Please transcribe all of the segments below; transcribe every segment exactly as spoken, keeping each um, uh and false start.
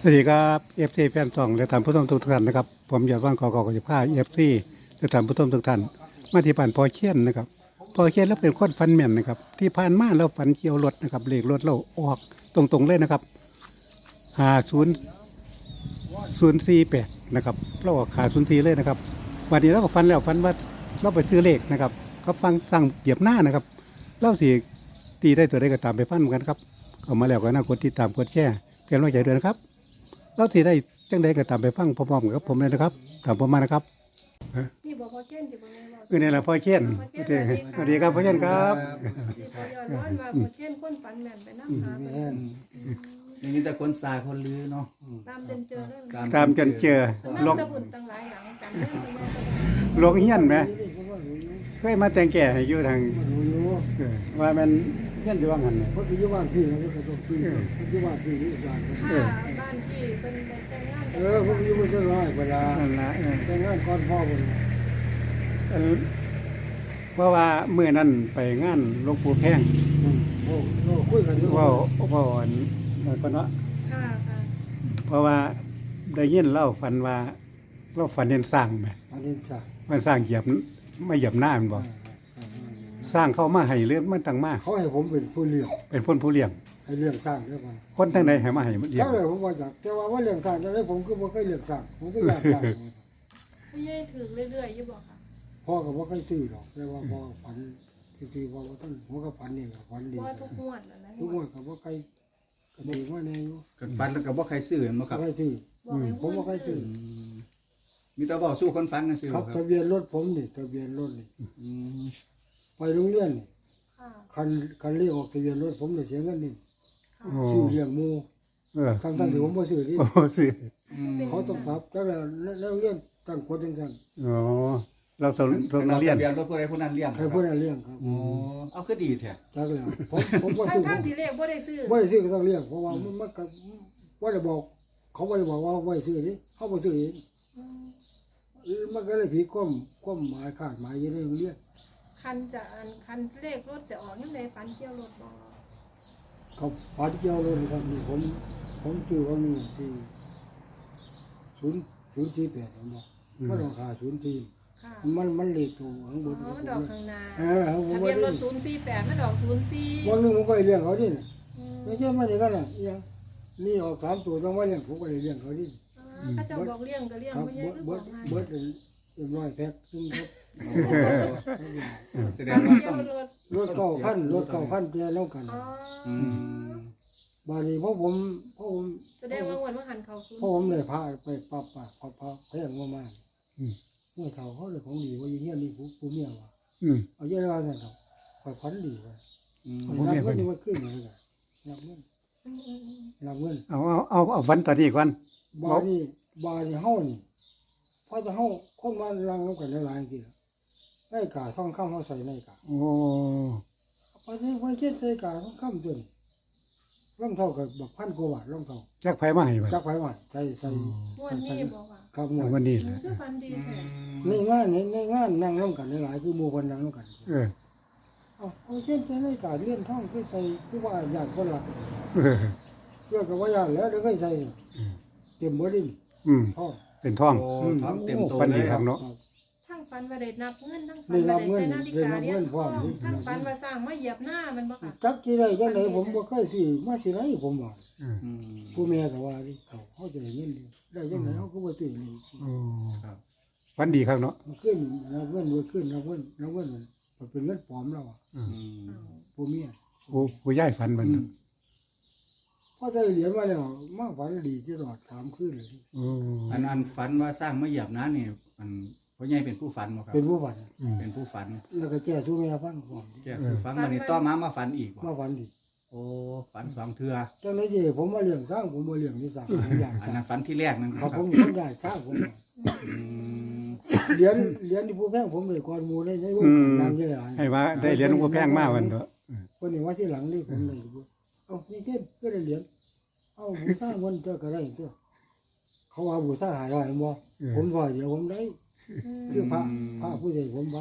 สวัสดีครับเอฟซีแฟนซองและท่านผู้ชมทุกท่านนะครับผมอยากว่างกอกอกจะพาเอฟซีและท่านผู้ชมทุกท่านมาที่บ้านพอเชียนนะครับพอเชียนแล้วเป็นคนฟันแม่นนะครับที่ผ่านมาเราฝันเกี่ยวรถนะครับเลขรถเราออกตรงๆเลยนะครับหาศูนย์ศูนย์สี่แปดนะครับเราออกขาศูนย์สี่เลยนะครับวันนี้เราก็ฟันแล้วฟันว่าเราไปซื้อเลขนะครับเขาฟังสั่งเหยียบหน้านะครับเล่าสีตีได้ตัวได้ก็ตามไปฟันกันครับเอามาแล้วก็น่ากดติดตามกดแชร์เพื่อนไว้ใจด้วยนะครับเราสิได้จังใดก็ตามไปฟังพร้อมๆกับผมเลยนะครับตามผมมานะครับนี่บอกพอเช่นที่บอกนี่บอกคือนี่แหละพ่อเชียนสวัสดีครับพ่อเชียนครับที่พอย้อนร้อนมาพอเช่นคนฝันแม่นไปนั่งหาไปอย่างนี้แต่คนสายคนลือเนาะตามจนเจอเลยตามจนเจอลลงงตะบุญตั้งหลายหลังกันเรื่องแม่ก็ลงเฮียนไหมเคยมาแต่งแก่ให้อยู่ทางเออว่ามันเฮียนอยู่ว่างหันเนี่ยเพราะที่บ้านพี่นะก็ต้องพี่เพราะที่บ้านพี่นี่บ้านกันถ้าบ้านที่เป็นแต่งงานเออพวกอยู่ไม่ใช่ร้อยเวลานั่นละเออแต่งงานก่อนพ่อผมเออเพราะว่าเมื่อนั้นไปงานหลวงปู่แพงโอ้โหคุยกันอยู่เว่าเว่าอันนั้นก็เนาะค่ะค่ะเพราะว่าได้ยินเล่าฝันว่าเราฝันเห็นสร้างไหมอันนี้จ้ะมันสร้างเหยียบไม่เหยียบหน้ามันบอกสร้างเข้ามาให้เรื่องมันตั้งมาเขาให้ผมเป็นผู้เลี้ยงเป็นคนผู้เลี้ยงให้เลี้ยงสร้างเด้อมันคนทั้งใดให้มาให้มันเลี้ยถ้าง เลยผมว่าจากแต่ว่าว่าเลี้ยงสร้างจะได้ผมก็บ่เคยเลี้ยงสร้างผมก็อยากสร้างไม่ใช่ถือเรื่อยๆอยู่บอกค่ะพ่อก็บ่เคยซื้อหรอกแต่ว่าพ่อฝันทีๆว่าว่าท่านหัวก็ฝันนี่แหละฝันดีว่าทุกงวดแล้วนะทุกวันก็บ่เคยก็ดีว่าแน่อยู่กันฟันแล้วก็บ่ใครซื้อมั้งครับบ่เคยซื้อบอกให้ผมบ่เคยซื้ออืมมีแต่บอกสู้คนฟันกันซื้อครับครัทะบเบียนรถผมนี่ทะเบียนรถนี่อืมไปโรงเรียนนี่ค่ะคันคันเรียกออกทะเบียนรถผมเนี่ยเสียเงินนี่โอ้ซื้อเลี้ยงหมูเออทั้งทั้งที่ผมบ่ซื้อนี่โอ้สิอืมเขาต้องปรับแล้วแล้วแล้วเรียนตั้งกฎจังซั่นอ๋อเราสอนเรานักเรียนทะเบียนรถผู้ใดผู้นั้นเลี้ยงใครผู้นั้นเลี้ยงครับอ๋อเอาคือดีแท้จักแล้วผมผมบ่ทั้งซื้อทั้งที่เลขบ่ได้ซื้อบ่ได้ซื้อก็ต้องเลี้ยงเพราะว่ามันมันก็บ่ได้บอก เขาบ่ได้บอกว่าบ่ได้ซื้อนี่เขาบ่ซื้อเองมันก็เลยผิดความความหมายคาดหมายอยู่ในโรงเรียนคันจะอันคันเลขรถจะออกยังไงฝันเกี่ยวรถบอกเขาปาดเกี่ยวเลยนะครับนี่ผมผมซื้อว่ามีที่ศูนย์ศูนย์สี่แปดผมบอกก็ราคาศูนย์สี่ค่ะมันมันเลขตัวข้างบอ๋อน มันดอกข้างหน้าเออผมทะว่าเบียนรได้ถศูนย์สี่แปดมันดอกศูนย์สี่วันหนึงผมก็เลี้ยงเขาดิน่ะอืมไม่ใช่ไม่ได้กันน่ะอีหยังนี่ออกสามตัวต้องว่าเลี้ยงผมก็เลยเลี้ยงเขาดิอ่าถ้าเจะบอกเลี้ยงก็เลี้ยงครับไม่ใช่เบิดหรือเบิบอดกให้เบิดเอ็มร้อยแพ็คซึ่งครับแสดงว่าเกี่ต้ยองวรถรถเก้าพันรถเก้าพันเพียแล้วกันอ๋ออืมบาดนี้เพราะผมเพราะผมแสดงว่าวันว่าหันเขาศูนย์เพราะผมเลยพาไปปับปะพอพอแพงมากอืมๆเมื่อเขาเขาเลยของดีว่าอย่างเงี้ยนี่ผู้ผู้เมียว่ะอืมเอาเยอะว่าสั่นครับคอยพันดีว่ะอืมนับเงินนี่มันขึ้นเลยกันนับเงินอืมอืมอืมนับเงินเอาเอาเอาเอาฝันตอนนี้ก่อนบานี่บานี่เฮานี่พอจะเฮาคนมาลังนำกันหลายๆทีละได้กาท่องคำเฮาใส่ในกาโอ้พอที่พอเช็ดใส่กาท่องคำจนรองเท้ากับบักพันกว่าบาทรองเท้าจักไผมาให้บ่จักไผว่าใส่ใส่งวันนี้บอกว่าครับหมเอาดวันนี้มัแหนละคือฟันดีแท้ในงานในในงานนั่งร่วมกันหลายๆคือหมู่คนนั่งร่วมกันเออเอาเอาเช่นใส่ในกาเลี้ยนท่องคือใส่คือว่าญาติคนหลักเออเพื่อกับว่าญาติแล้วเดี๋ยวเคยใส่นี่เต็มบ่ดินอืมท่องเป็นท่องโอ้ท้องเต็มตัวฟันเลดียครับเนาะทั้งฟันว่าได้นับเงินทั้งฟัได้นนัว่าบได้เงินใช้นาฬิกาได้นับเรียเงินนพร้อมนี่ทั้งฟันว่าสร้างมาเหยียบหน้ามันบ่ค่ะจักกี่ได้จังไดผมบ่เคยสิมาสิไรผมว่าอืมอืมผู้แม่ก็ว่าดิเขาเขาจะได้เงินดีได้จังไดเขาก็บ่ตื่นเลยโอ้ครับฝันดีครับเนาะมันขึ้นนับเงินบ่ขึ้นนับเงินนับเงินมันเป็นเงินปลอมแล้วอ่ะอืมอืมผู้เมียผู้ผู้ย้ายฝันมันน่ะพอได้เหรียญมาแล้วมาฝันดีตลอดถามขึ้นเลยโอ้อันอันฝันว่าสร้างมาเหยียบน้านี่มันพ่อใหญ่เป็นผู้ฝันบ่ครับเป็นผู้ฝันอืมเป็นผู้ฝันแล้วก็แก้สู้แม่ฟังก่อนแกสู่ฝันวันนี้ต่อมามาฝันอีกมาบ่ฝันดีโอ้ฝันสองเทื่อจังได๋สิผมมาเลี้ยงสร้างผมบ่เลี้ยงนี่สร้างผมอยากอันสร้านั้งนฝันที่แรกนั่นคครัรับบ ผมผมอยากสร้างผมอืมเหรียญเหรียญที่ผู้แพงผมเลยก่อนหมู่ในในวงการนำเยอะหลายให้ว่าได้เหรียญหลวงพ่อแพงมาวันเถอะคนนี้ว่าที่หลังนี่ผมเลยเอานี่เช่นก็ได้เหรียญเอาบูชาวันเจ้าก็ได้ตัวเขาว่าบูชาหาร้อยบ่ผมว่าเดี๋ยวผมได้คือพระพระผู้ใหญ่ผมว่า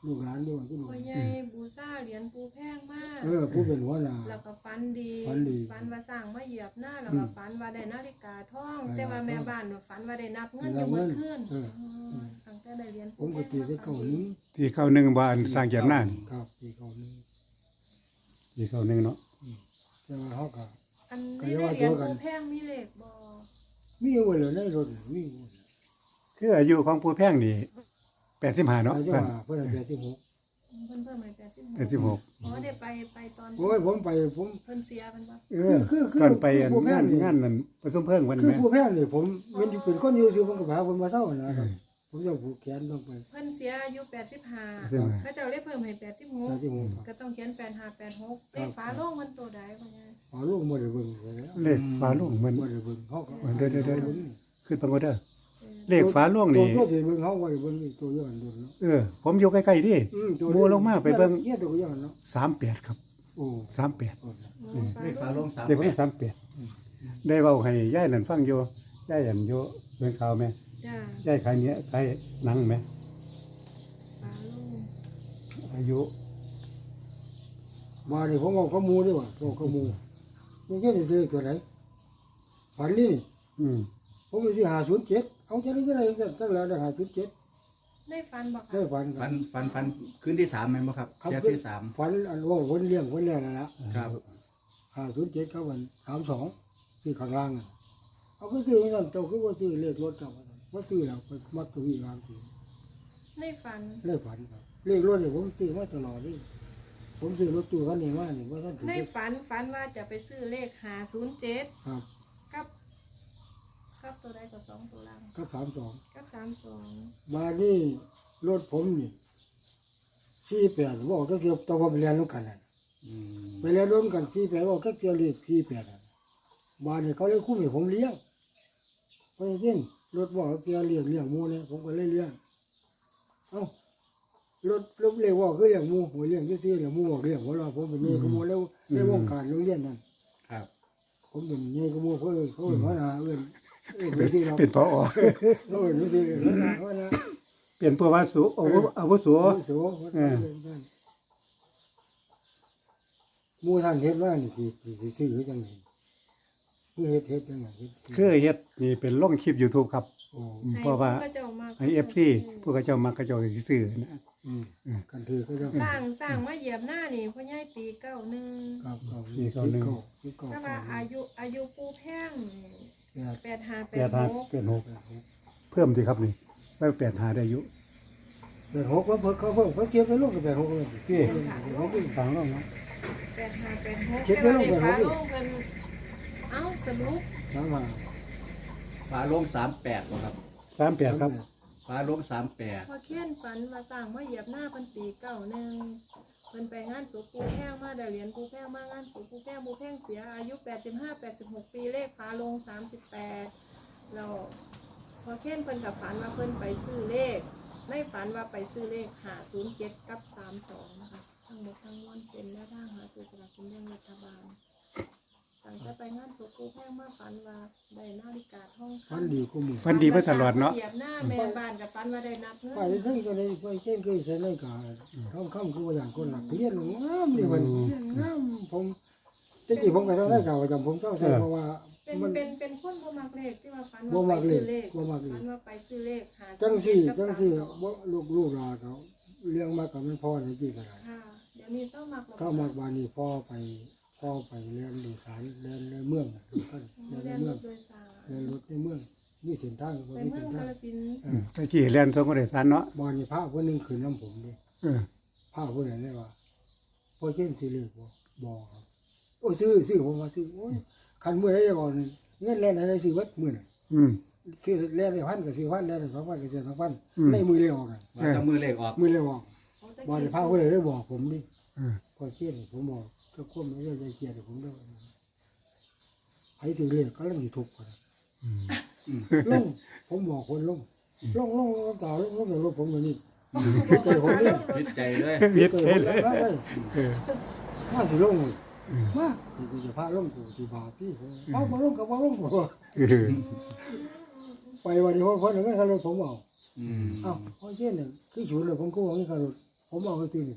ลูกหลานด้วยก็ดูพ่อใหญ่บูชาเหรียญปูแพงมากเออผู้เป็นหัวหน้าแล้วก็ฝันดีฝันดีฝันว่าสร้างมาเหยียบหน้าแล้วก็ฝันว่าได้นาฬิกาทองเออแต่ว่าแม่บ้านน่ะฝันว่าได้นับเงินอนัยู่บเมื่เงิอน คืนเออตั้งแต่ได้เหรียญผมก็ตีได้เก้าหนึงที่เข้าหนึ่งบ้านสร้างเกียรติหน้านี่ครับตีเก้าหนึงที่เข้าหนึ่งเนาะแต่ว่าเขาก็อันก็นี้อย่าได้ว่าเหรียญตัวกันปูแพงมีเลขบ่มีไว้เลยในรถมีไว้เลยคืออายุของผู้แพงนี่แปดสิบห้าเนาะอายุท่านว่าเพิ่นอายุแปดสิบหกเพิ่นเพิ่มให้แปดสิบหกแปดสิบหกอ๋อได้ไปไปตอนโอ้ยผมไปผมเพิ่นเสียเพิ่นบ่เออคือคือก่อนไปคือผู้แพงาง นนี่งานนั้นประสมเพิ่งวันคือแม่ผู้แพงนี่ผมมันเป็นคนอยู่ซื่อผมก็พาเพิ่นมาเท่านะครับผมจะผูกแขนต้องไปเพิ่นเสียอายุแปดสิบห้าใช่ไหมเขาเจ้าเลยเพิ่มให้แปดสิบหกแปดสิบหกครับก็ต้องเขียนแปดห้าแปดหกเลขฝาโลงมันตัวใดพ่อใหญ่อ๋อลูกบ่ได้เบิ่งเลยแล้วเลขฟ้าโล่งมันบ่ได้เบิ่งเขาก็เดี๋ยวเดี๋ยวเดี๋ยวบิ่งขึ้นปังก็เด้อเออเลขฟ้าโล่งนี่ตัวที่เบิ่งเขาบ่ได้เบิ่งอีกตัวย้อนดูเนาะเออ ผมอยู่ใกล้ๆดิอืมตัวหมู่ลงมาไปเบิ่งเนี่ยตัวย้อนเนาะสามแปดครับโอ้สามแปดโอ้อืมเลขฝาโลงสามเด็กคนแปนี้ดสามแปดได้เว้าให้ย่ายนั่นฟังอยู่ย่ายอันอยู่เบิ่งข่าวไหมจ้าย่ายขายเนี้ยขายหนังไหมฝาโลงอายุมานี่ผมเอาข้อมูลดีกว่าเอาข้อมูลมันแค่ได้ซื้อตัวไหนฝันนี่นี่อืมผมไปซื้อห้าศูนย์เจ็ดเอาจะได้จะได้ตั้งแล้วได้ห้าศูนย์เจ็ดได้ฟันบ่ได้คะฝันฟันฟันฟันคืนที่สามไหมนบ่ครับครับเที่ยวที่สามฝันอันว่าวนเลี้ยงวนเลี้ยงนั่นแหละครับห้าศูนย์เจ็ดเขาวันสามสองที่ข้างล่างอ่ะเอาไปซื้อนั่นเจ้าคือว่าซื้อเลขรถเจ้าว่าซื้อแล้วไปมัดตัววิ่งวางซื้อได้ฟันเลขฝันครับเลขรถเนี่ยผมซื้อมาตลอดเลยผมซื้อรถตู้คันนี้มาเนี่ยว่าท่านถือได้ฝันฝันว่าจะไปซื้อเลขห้าศูนย์เจ็ดครับกับกับตัวใดก็สองตัวล่างก็สามสองกับสามสองมานี่รถผมนี่สี่แปดบอกก็เกี่ยวตัวผมไปเรียนรู้กันนั่นอืมไปเรียนร่วมกันสี่แปดบอกก็เกี่ยวเลขสี่แปดนั่นบ้านนี่เขาเลยคุ้มให้ผมเลี้ยงเพราะจริงรถบอกเขาเกี่ยวเลี้ยงเลี้ยงหมูเนี่ยผมก็เลยเลี้ยงเอ้ารถรถเลี้ยงบอกคือเลี้ยงหมูหัวเลี้ยงที่ที่เลี้ยงหมูบอกเลี้ยงหัวเราผมเป็นเงี้ยขโมยแล้วในวงการโรงเรียนนั่นครับผมเป็นเงี้ยขโมยเขาเอิ้นเขาเอิ้นหัวหน้าเอิ้นเอิ้นไปที่เราเป็นพอเขาเอิ้นไปที่เอิ้นหัวหน้าหัวหน้าเปลี่ยนผู้ว่าสูอาวุอาวุโสโอ้โหหมู่ท่านเฮ็ดว่านี่สิสิสิซื้อจังได๋คือเฮ็ดเฮ็ดจังได๋เฮ็ดคือเฮ็ดนี่เป็นลงคลิป YouTube ครับโอ้อืมเพราะว่าให้เจ้ามาให้ เอฟ ซี ผู้เขาเจ้ามักเขาเจ้าสิซื้อนะอืมกันถือก็จะสร้างสร้างมาเหยียบหน้านี่พ่อใหญ่ปีเก้าหนึ่งครับครับมีเก้าหนึ่งคิดเก้าถ้าว่าอายุอายุปูแพงแปดแปดห้าแปแปดดห้าหกแปดหกแปดหกเพิ่มสิครับนี่ไว้แปดห้าได้อายุแปดหกว่าเพิ่นเขาเพิ่งเขาเก็บไปลงกับแปดหกเลยพี่แปดหกนี่ฟังลงเนาะแปดห้าแปดหกเขียนแต่ไว้ว่าลงเลขไปฝาลงดิโลงเพิ่นเอ้าสรุปถามว่าฝาโลงสามแปดบ่ครับสามแปดครับฝาโลงสามแปดพอเขียนฝันว่าสร้างมาเหยียบหน้าเพิ่นปีเก้าหนึ่งเพิ่นไปงานสุปูแพงมาได้เหรียญปูแพงมางานสุปูแพงปูแพงเสียอายุแปดสิบห้า แปดสิบหกปีเลขฝาโลงสามสิบแปดแล้วพอเขียนเพิ่นกับฝันว่าเพิ่นไปซื้อเลขในฝันว่าไปซื้อเลขห้าศูนย์เจ็ดกับสามสองนะคะทั้งหมดทั้งมวลเป็นแนวทางหาซื้อสลากกินแบ่งรัฐบาลตั้งแต่ไปงานสุปูแพงมาฝันว่าได้นาฬิกาทองคำฟันดีกูมือฟันดีมาตลอดเนาะเหยียบหน้าแม่บ้านกับฟันว่าได้นับเงิไปได้ทั้งก็ได้ไปเช่นเคยใช้ในกาท้องคำคือว่าอย่างคนหลักเรียนงามนี่มันงามผมจริงๆผมก็ต้องได้กล่าวประจำผมต้องใช้เพราะว่าเป็นมันเป็นเป็นคนบ่มักเลขที่ว่าฟันบ่ว่ามัไปกเลซื้ขอเลขบ่มักเลขฟันว่าไปซื้อเลขหาจังสี่กับจังสี่สามสองว่าลูกลูกหลานเขาเลี้ยงมากับมันพ่อได้กี่กันค่ะเดี๋ยวนี้ต้องมักแล้วเข้ามากบานนี้พ่อไปพ่อไปเรียนโดยสารเรียนในเมืองน่ะดูกันเรียนในเรียนเมืรองถโดยสารเรียนรถในเมืองมีเส้นทางบ่ไปมีเมือเส้งนกาทางฬสินธุ์อืมตะกี้เรียนทรงก็ได้สันเนาะบานนี้พระผู้หนึงขึ้นน้ำผมดิเออพระผู้นั้นเลยว่าพ่อเช่นสิเลขบ่บ่ครับโอ้ยซื้อซื้อผมว่าซื้อโอ้ยคันมื้อใดจะบอกนี่เงินแล่นให้ซื้อวัดมื้อน่ะอืมคือแล่นได้พันก็ซื้อพันแล่นได้สองพันก็ซื้อสองพันอืมในมือเลขออกน่ะว่าแตะมือเลขออกมือเลขออกของตะบานกี้นี้พระผู้นั้นเลยบอกผมดิเออพอเขียนผมบอกก็ควบไม่ได้ใจเกียรติผมด้วยให้ถือเลขก็เรื่องที่ทุกข์กันอืมลงผมบอกคนลงลงลงลงต่อลงลงจากรถผมอย่างนี้บอกใจผมเนี่ยพิดใจเลยวิทใจย์ผมเลแล้วยเลยเออมาสิลงเลยมาที่กูจะพาลงกูที่บาที่เอามาลงกับมาลงผมเออไปวันนี้พ่อพ่อหนึ่งก็ขับรถผมเอาอืมเอ้าพ่อเช่นหนึ่งคือฉุนเลยผมก็วางนี่ขับรถผมผมเอาไปที่นี่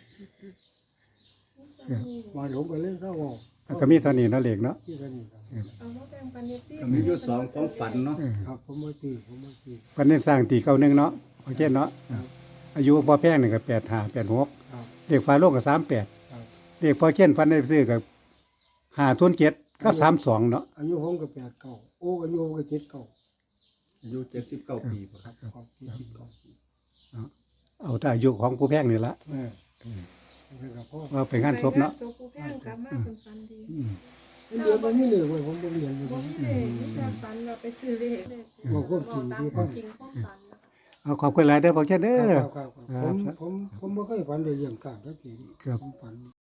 มาหลงไปเลยถ้าว่าแล้วก็มีเท่านี้เนาะเลขเนาะที่กันนี่ครับเอามาแบ่งปันเอฟซีก็มีอยู่สองความฝันเนาะเออครับผมมาตีผมมาตีวันนี้สร้างตีเก้าหนึ่งเนาะโอเคเนาะอายุพอแพงนี่ก็แปดห้าแปดหกครับเลขฟ้าโลกก็สามแปดครับเลขพอเช่นฟันได้ซื้อกับห้าทุนเจ็ดกับสามสองเนาะอายุผมก็แปดเก้าโอ้อายุผมก็เจ็ดเก้าอายุเจ็ดสิบเก้าปีบ่ครับครับเจ็ดสิบเก้าเอาแต่อายุของผู้แพงนี่ละเออนี่ก็พ่อว่าไปงานศพเนาะศพผู้แพงกลับมาเป็นฟันดีอืมเดี๋ยวมันไม่เหลือไว้ผมต้องเรียนอยู่บ่ดีมีเลขมีแต่ฝันเราไปซื้อเลขบอกความจริงตามที่คฟัวาง มจริงความฝันนะคะเอาขอบคุณหลายเด้อพอเช่นเด้อครับครับครับผมผมผมบ่เคยฝันได้เรื่องการทักทีครับผมฝัน